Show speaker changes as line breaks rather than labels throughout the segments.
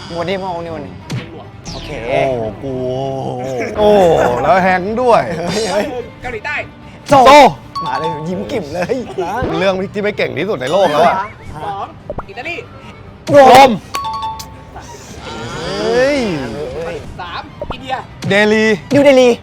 วันนี้มาวันนี้โอเค
โอ้กูโอ้แล้วแฮงด้วย
เกาหลีใต้
โซ
โซ
มาเลยยิ้มกิ่มเลยนะ
เรื่องที่ไม่เก่งที่สุดในโลกแล้วอะ
2 อิตาลี
ลมเฮ้ย
3 อินเดีย
เดลี
นิวเดลี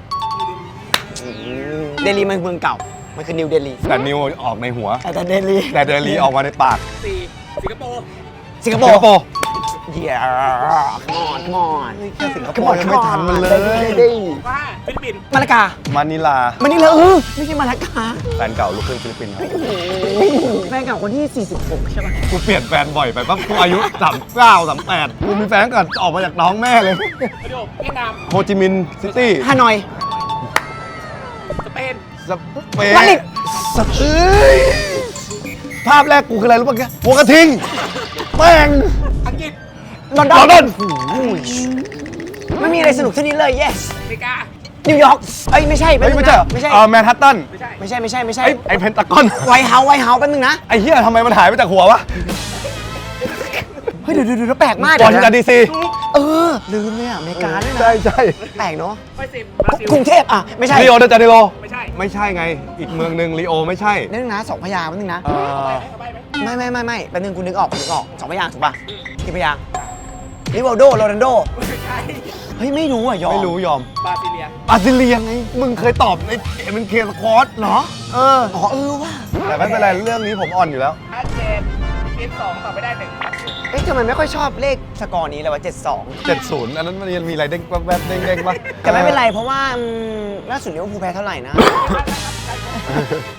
เดลีมันเมืองเก่ามันคือนิวเดลี
แต่นิวออกในหัว
แต่เดลี
แต่เดลีออกมาในปาก
4 สิงคโปร์
สิงคโป
สิงคโป
ร์
ร์
เย้มอน
แค่สิงคโปร์ยังไม่ทันมันเลย
5 ฟิลิปปินส์
มาลากา
มานิลา
มันนี่เลยไม่ใช่มาลากา
แฟนเก่าลูกครึ่งฟิลิปปินส์ครับ
แฟนเก่าคนที่ 46 ใช่ป่ะ
กูเปลี่ยนแฟนบ่อยไปปั๊บกูอายุ39 38กูมีแฟนก่อนออกมาจากน้องแม่เลย
ประโยคเวียดนาม
โฮจิมินห์ซิตี้
ฮานอย
สเปน
สเปน
มาดริด
สเปนภาพแรกกูคืออะไรรู้ป่ะแกหัวกระทิงแม่ง
อังกฤษ
ลอนด
ล
อ
อน นดอน
ไม่มีอะไรสนุกเท่านี้เลย yes
อเมริกา
นิวยอร์กเอ้ยไม่ใช่
เฮ้ยไม่ใช่เหรอ
ไม่ใช่
แมนฮัตตัน
ไม่ใช่
ไม่ใช่
ไอ้เพนตากอน
ไวท์เฮาส์แป๊บนึงนะ
ไอ้เหี้ยทำไมมันหายไปจากหัววะ
เฮ้ยเดี๋ยวแปลกมาก
วอชิงตันดีซี
เออลืมเลยอ่ะอเมริกาด้วยนะ
ใช่ใช่
แปลกเนาะ
ข้อ10 บราซิล
กรุงเทพอ่ะไม่ใช่
ริโอเดจาเนโร
ไม่ใช่
ไม่ใช่ไง อีกเมืองหนึ่งริโอไม่ใช่
นึงนะสองพยางค์แป๊บนึงนะ
เอาไปไหม
ไม่แป๊บนึงกูนึกออกสองพยางค์ถูกป่ะกี่พยางค์ริวัลโดโรนัลโด
ไม่ใช่
เฮ้ยไม่รู้อ่ะยอม
ไม่รู้ยอม
บราซิเลีย
บราซิเลียไง มึงเคยตอบในเป็นเคสคอร์ส
เหรอ
เออ
อ๋อว่ะ
แต่ไม่เป็นไรเรื่องนี้ผมอ่อนอยู่แล้ว
ชัดเจนทีม2ตอบไม่ได้1
เอ๊ะทำไมไม่ค่อยชอบเลขสกอร์นี้เลยวะ72
70 อันนั้นมันยังมีอะไรเด้งแวบๆเด้งๆปะ
แต่ไม่เป็นไรเพราะว่าล่าสุดลิเวอร์พูลแพ้เท่าไหร่นะ